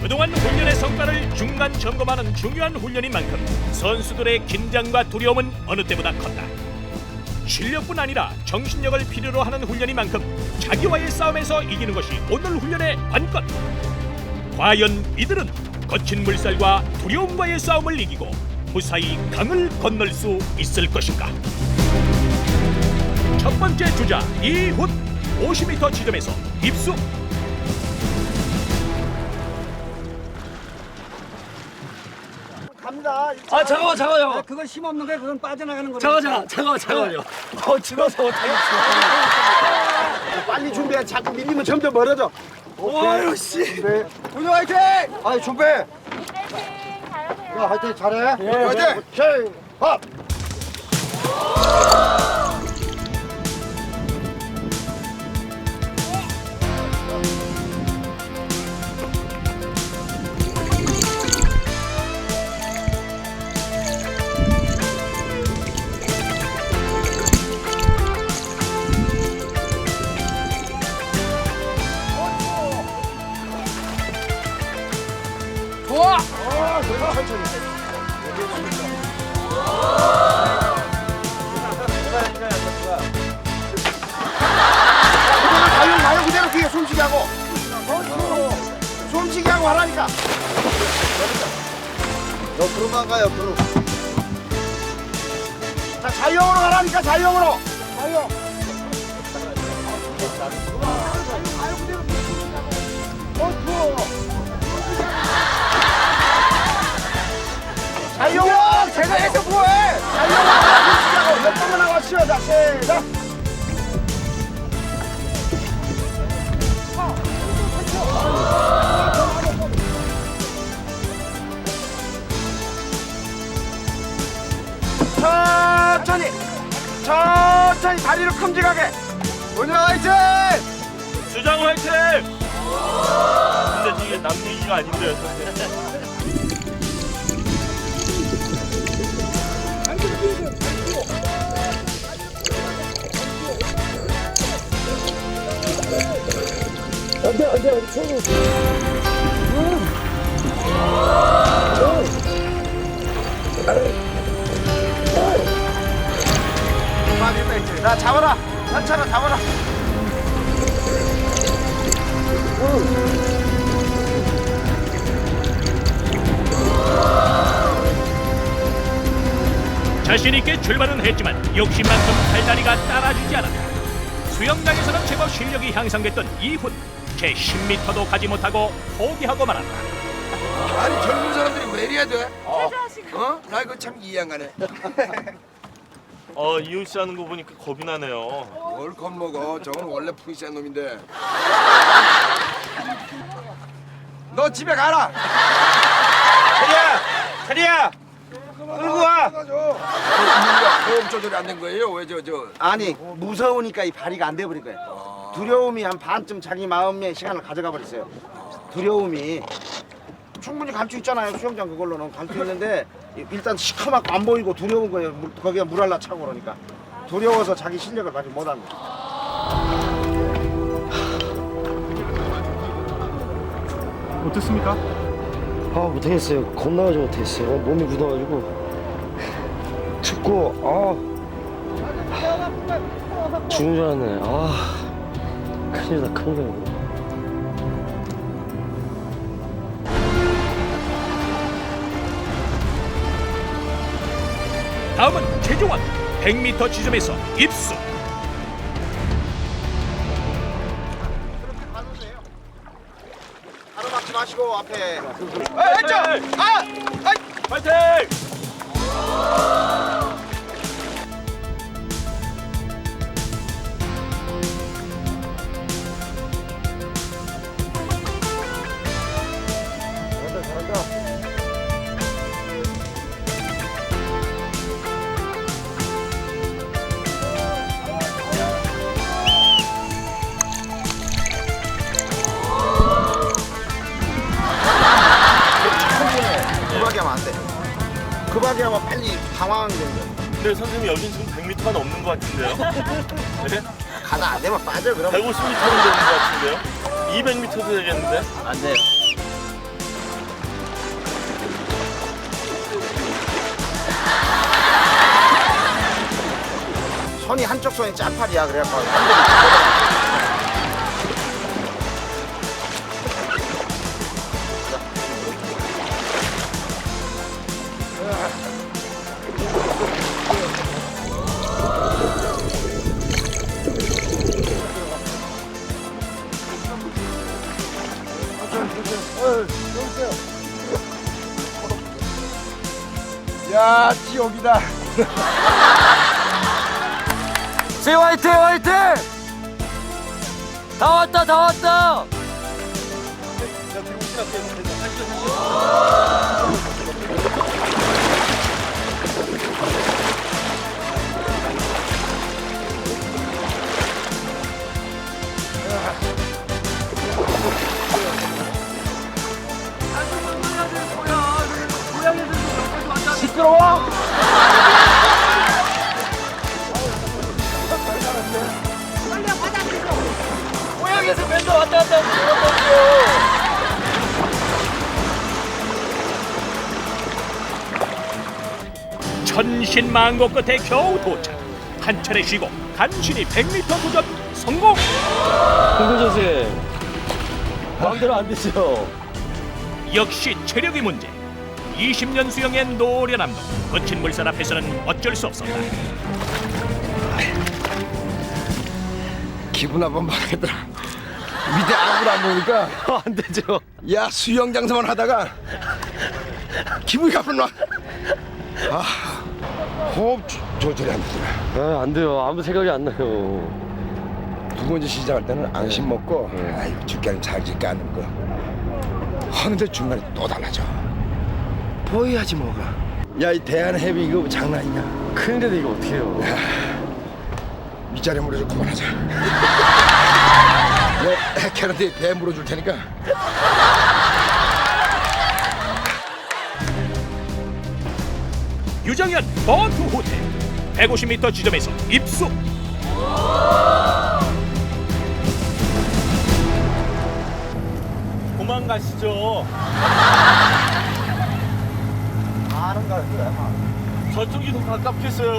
그동안 훈련의 성과를 중간 점검하는 중요한 훈련인 만큼 선수들의 긴장과 두려움은 어느 때보다 컸다. 실력뿐 아니라 정신력을 필요로 하는 훈련인 만큼 자기와의 싸움에서 이기는 것이 오늘 훈련의 관건. 과연 이들은 거친 물살과 두려움과의 싸움을 이기고 무사히 강을 건널 수 있을 것인가? 첫 번째 주자 이훈 50m 지점에서 입수. 갑니다. 아 잠깐만. 그건 힘없는 거야. 그건 빠져나가는 거야. 잠깐만요. 죽어서 못하겠어. 빨리 준비해. 자꾸 밀리면 점점 멀어져. 아유 씨. 훈련 화이팅! 아이 준비. 야 화이팅 잘해. 화이팅. 오케이. 업. 좋아. 가요 그대로 뒤에 숨쉬게 하고. 숨쉬게 하고 하라니까. 옆으로만 가 옆으로. 자 자유형으로 가라니까 자유형으로. 자유형. 자유형 제가 해서 뭐해? 자유형 몇 번만 나와 쉬어자 시작. 천천히 다리를 큼직하게. 오늘 화이팅! 주장 화이팅! 근데 이게 남 얘기가 아닌데요, 선생님. 나 잡아라. 천천히 잡아라. 자신 있게 출발은 했지만 욕심만큼 팔다리가 따라주지 않았다. 수영장에서는 제법 실력이 향상됐던 이훈. 채 10m도 가지 못하고 포기하고 말았다. 아니 젊은 사람들이 왜 이래야 돼? 어? 나 이거 참 이해 안 가네. 이훈 씨 하는 거 보니까 겁이 나네요. 뭘 겁먹어? 저건 원래 프리시한 놈인데. 너 집에 가라. 자리야. 끌고 와. 이유가 보험 조절이 안 된 거예요? 왜 저? 아니 무서우니까 이 발이가 안 돼버린 거예요. 두려움이 한 반쯤 자기 마음의 시간을 가져가 버렸어요. 두려움이 충분히 갈 수 있잖아요. 수영장 그걸로는 갈 수 있는데 일단 시커멓고 안 보이고 두려운 거예요. 거기에 물 할라 차고 그러니까 두려워서 자기 실력을 발휘 못한 거예요. 어떻습니까? 아 못하겠어요. 겁나가지고 못했어요. 몸이 굳어가지고 춥고 죽는 줄 알았네. 큰일이다 큰일. 다음은 최종원 100m 지점에서 입수. 가로막지 마시고 앞에. 화이팅! 급하게 하면 안 돼. 급하게 하면 빨리 당황하게 되는 거야. 근데 선생님 여긴 지금 100m가 넘는 것 같은데요? 네? 가다 안 되면 빠져 그럼. 150m는 되는 것 같은데요? 200m도 되겠는데? 안 돼요. 한쪽 손이 짝팔이야. 그래갖고 야, 지옥이다. 제 화이팅 화이팅. 다 왔다 다 왔다. 시끄러워. 고향에서 맨날 왔다 갔다 하고 천신만고 끝에 겨우 도착. 한 차례 쉬고 간신히 100m 도전 성공. 홍근 선생 마음대로 안 되죠. 역시 체력이 문제. 20년 수영의 노련함도 거친 물살 앞에서는 어쩔 수 없었다. 기분 한번 봐야겠더라. 밑에 아무도 안 보니까 안 되죠. 야, 수영 장사만 하다가 기분이 가끔 나. 아, 호흡 조절이 안 되더라. 아, 안 돼요. 아무 생각이 안 나요. 두 번째 시작할 때는 안심 먹고 아이고 죽겠는 잘질까 안 거. 하는데 중간에 또 달라져. 보여야지 뭐가. 야, 이 대한해비 이거 장난이냐? 큰일인데 이거 어떻게 해요? 밑자리 물어줘. 그만하자. 내 캐럿이 배 물어줄 테니까. 유정현 버트 호텔 150m 지점에서 입수. 그만 가시죠. 아는 거야. 저쪽이 더 가깝겠어요.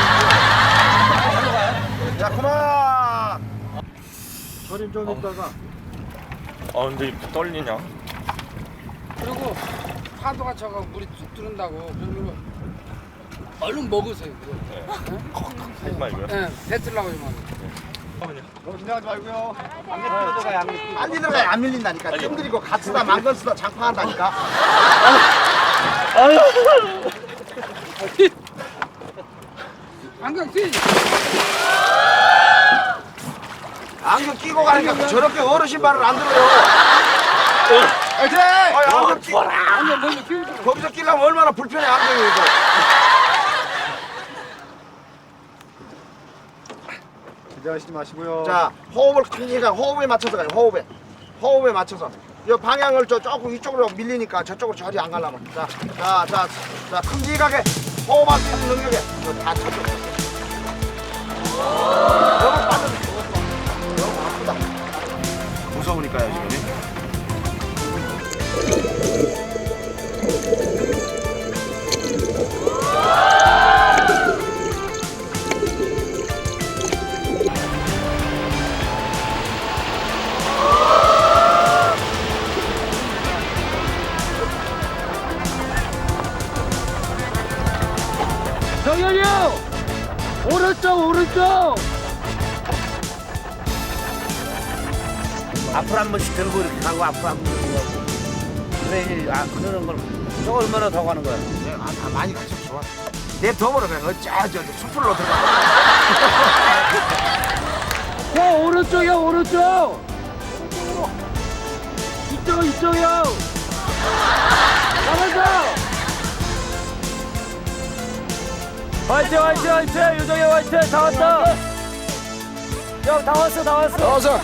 자, 그만. 저림 좀 있다가 아 근데 이렇게 떨리냐? 그리고 파도가 쳐가 물이 툭 들은다고. 그리고 얼른 먹으세요. 그거. 하지 말고요. 예, 뱉으려고 하지 말고. 빨리 들어가야 안 밀린다니까. 뜸 들이고 갓 쓰다 망건 쓰다 장판한다니까. 안경 쓰지. 안경 끼고 가니까 저렇게 어르신 말을 안 들어요. 화이팅! 안경 끼. 안경 먼저 끼우고. 거기서 끼려면 얼마나 불편해 안경이 이거. 기대하시지 마시고요. 자, 호흡을 크니까 호흡에 맞춰서 가요. 호흡에 맞춰서. 이 방향을 조금 이쪽으로 밀리니까 저쪽으로 저리 안 가려면. 자, 큼직하게 호흡할 수 있는 능력에 이거 다 찾아. 너무 빠져. 너무 아프다. 무서우니까요 지금. 정현이 형 오른쪽. 앞으로 한 번씩 들고 이렇게 가고 앞으로 한 번씩 들고 가고. 그래, 그러는 걸 저거 얼마나 더 가는 거야? 다 많이 가서 좋아. 내 덤으로 그냥 저 숲으로 들어가. 형 오른쪽. 이쪽 형. 나가자. 화이팅 유정이 화이팅. 다 왔다. 형 다 왔어. 나와서.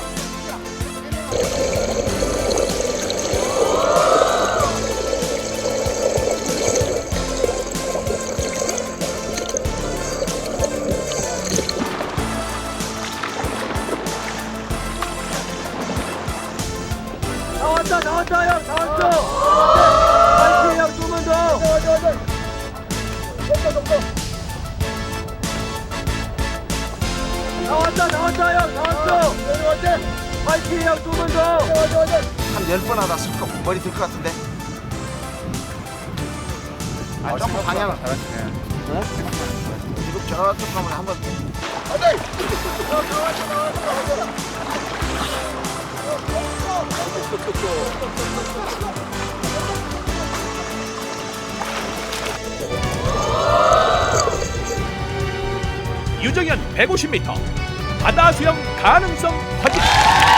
나왔다 형. 화이팅 형 조금만 더. 파이팅 형 조금만 더. 한 10번 하다 슬쩍 머리 들 것 같은데. 조금 방향을 지금 저쪽 가면 한번. 유정현 150m 바다 수영 가능성 확인.